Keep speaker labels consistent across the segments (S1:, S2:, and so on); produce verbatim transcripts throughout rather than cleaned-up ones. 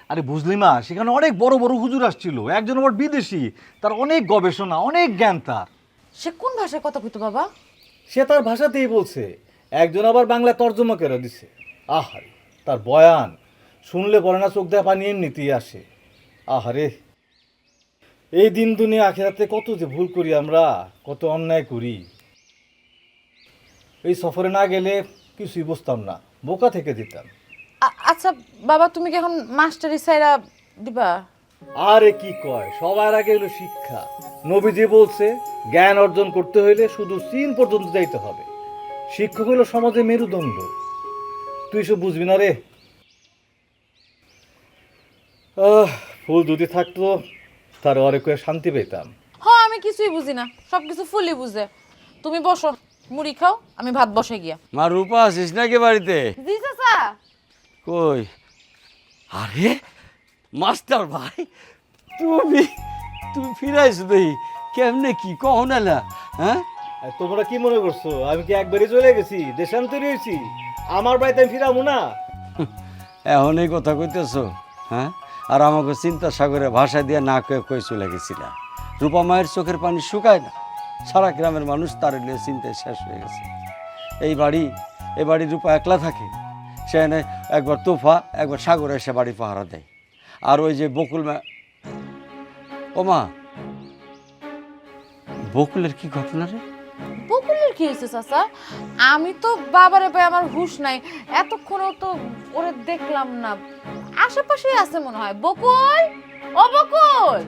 S1: আরে বুঝলি মা, সেখানে অনেক বড় বড় হুজুর আসছিল, একজন আবার বিদেশি, তার অনেক গবেষণা, অনেক জ্ঞান তার।
S2: সে কোন ভাষায় কথা কইতো বাবা?
S1: সে তার ভাষাতেই বলছে, একজন আবার বাংলা তর্জমা করে দিছে। আহারে, তার বয়ান শুনলে পরে না চোখ দেওয়া পানি এমনিতেই আসে। আহারে, এই দিন দুনিয়া আখেরাতে কত যে ভুল করি আমরা, কত অন্যায় করি। এই সফরে না গেলে কিছুই বুঝতাম না, বোকা থেকে দিতাম।
S2: আ- আচ্ছা বাবা, তুমি কি এখন মাস্টারি সাইরা দিবা?
S1: আরে কি কয়, সবার আগে হলো শিক্ষা। নবীজি বলছে জ্ঞান অর্জন করতে হইলে শুধু চীন পর্যন্ত যাইতে হবে। শিক্ষক হলো সমাজে মেরুদণ্ড। তুই সব বুঝবি না রে। আহ, ফুল যদি থাকতো তার অরে কয়ে শান্তি পেতাম।
S2: হ্যাঁ, আমি কিছুই বুঝি না, সব কিছু ফুলি বুঝে। তুমি বসো, মুড়ি খাও, আমি ভাত বসে গিয়া।
S3: মা রূপা আসিস নাকি বাড়িতে?
S2: জি চাচা।
S3: কই? আরে মাস্টার ভাই, তুমি তুমি ফিরাইছো দেখি, কেমনে কি কও না না? হ্যাঁ,
S1: আর তোমরা কি মনে করছো আমি কি একবারই চলে গেছি, দেশান্তরি হয়েছি? আমার বাড়িতে আমি ফিরাবো না?
S3: এখন এই কথা কইতেছো? হ্যাঁ, আর আমাকে চিন্তা সাগরে ভাষা দিয়ে না কয়ে কই চলে গেছিলা। রূপা মায়ের চোখের পানি শুকায় না, সারা গ্রামের মানুষ তার নিয়ে চিন্তায় শেষ হয়ে গেছে। এই বাড়ি এ বাড়ি রূপা একলা থাকে, সে এনে একবার তোফা একবার সাগরে এসে বাড়ি পাহারা দেয়। আর ওই যে বকুল মা, ও মা, বকুলের কি ঘটনা রে?
S2: বকুলের কি হয়েছে চাচা? আমি তো বাবারে পাই, আমার হুঁশ নাই, এতক্ষণও তো ওরে দেখলাম না। আশেপাশেই আছে মনে হয়। বকুল, ও বকুল!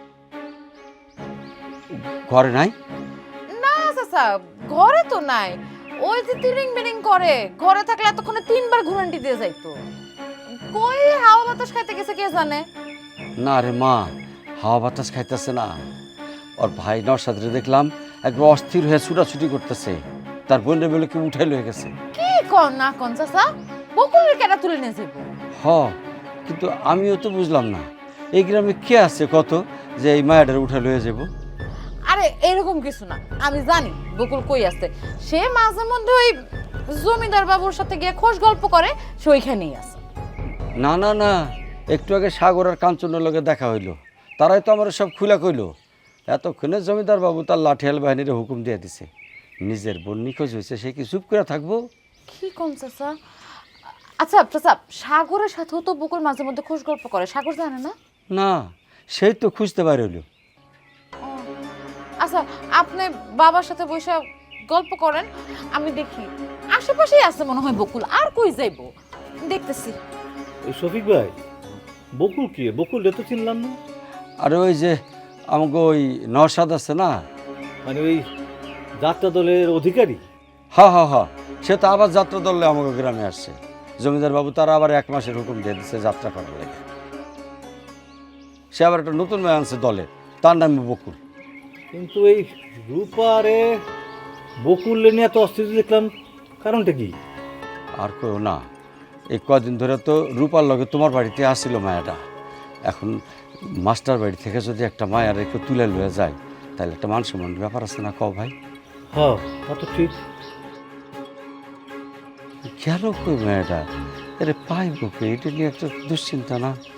S3: ঘরে নাই?
S2: না চাচা, ঘরে তো নাই। ওই যে তিরিং বিরিং করে, ঘরে থাকলে এতক্ষণে তিনবার ঘুরান্টি দিয়ে যাইতো। কই হাওয়া বাতাস খাইতে গেছে কে জানে।
S3: না রে মা, হাওয়া বাতাস খাইতেছে না। ওর ভাই নরসাদরে দেখলাম একবার অস্থির হয়ে ছুটাছুটি করতেছে, তার বোনের বেলে কি উঠাই লয়ে গেছে।
S2: কি কন না কন চাচা, বকুলের কেটা তুলে নিয়ে যাবো?
S3: হ, কিন্তু আমিও তো বুঝলাম না এই গ্রামে কে আছে কত যে এই মায়াটার উঠে লয়ে যাব।
S2: আরে এরকম কিছু না, আমি জানি বকুল কই আছে। সে মাঝে মধ্যে ওই জমিদার বাবুর সাথে গিয়ে খোশ গল্প করে, সে ওইখানেই আছে।
S3: না না না, একটু আগে সাগর আর কাঞ্চনের লগে দেখা হইলো, তারাই তো আমার সব খুলা কইলো। এতক্ষণে জমিদার বাবু তার লাঠিয়াল বাহিনীর হুকুম দিয়ে দিছে, নিজের বোন নিখোঁজ হয়েছে, সে কি চুপ করে থাকবো?
S2: কি কোন চাচা? আচ্ছা চাচা, সাগরের সাথেও তো বকুল মাঝে মধ্যে খোশ গল্প করে, সাগর জানে না?
S3: না, সেই তো খুঁজতে পারে হইলো।
S2: আচ্ছা, আপনি বাবার সাথে বসে গল্প করেন, আমি দেখি। আশেপাশেই আছে মনে হয় বকুল, আর কই যাইবো, দেখতেছি।
S1: এই শফিক ভাই, বকুল কি? বকুল তো চিনলাম না।
S3: আর ওই যে আমাকে ওই নরসাদ আছে না,
S1: মানে ওই যাত্রা দলের অধিকারী?
S3: হা হা হা, সে তো আবার যাত্রা দলে আমাকে গ্রামে আসছে। জমিদার বাবু তারা আবার এক মাসের হুকুম দিয়ে দিচ্ছে যাত্রা করার লেগে। সে আবার একটা নতুন মেয়ে আনছে দলে, তার নাম বকুল।
S1: কিন্তু এই রূপারে বকুল নিয়ে এত অস্থির দেখলাম, কারণটা কি?
S3: আর কেউ না, এই কদিন ধরে তো রূপার লগে তোমার বাড়িতে আসছিল মায়াটা। এখন মাস্টার বাড়ি থেকে যদি একটা মায়া রেখে তুলে লয়ে যায়, তাহলে একটা মান সম্মানের ব্যাপার আছে না, কও ভাই?
S1: হ্যাঁ, তা তো ঠিক।
S3: গেল কই মায়াটা? আরে পাইব কে? এটা নিয়ে একটা দুশ্চিন্তা না?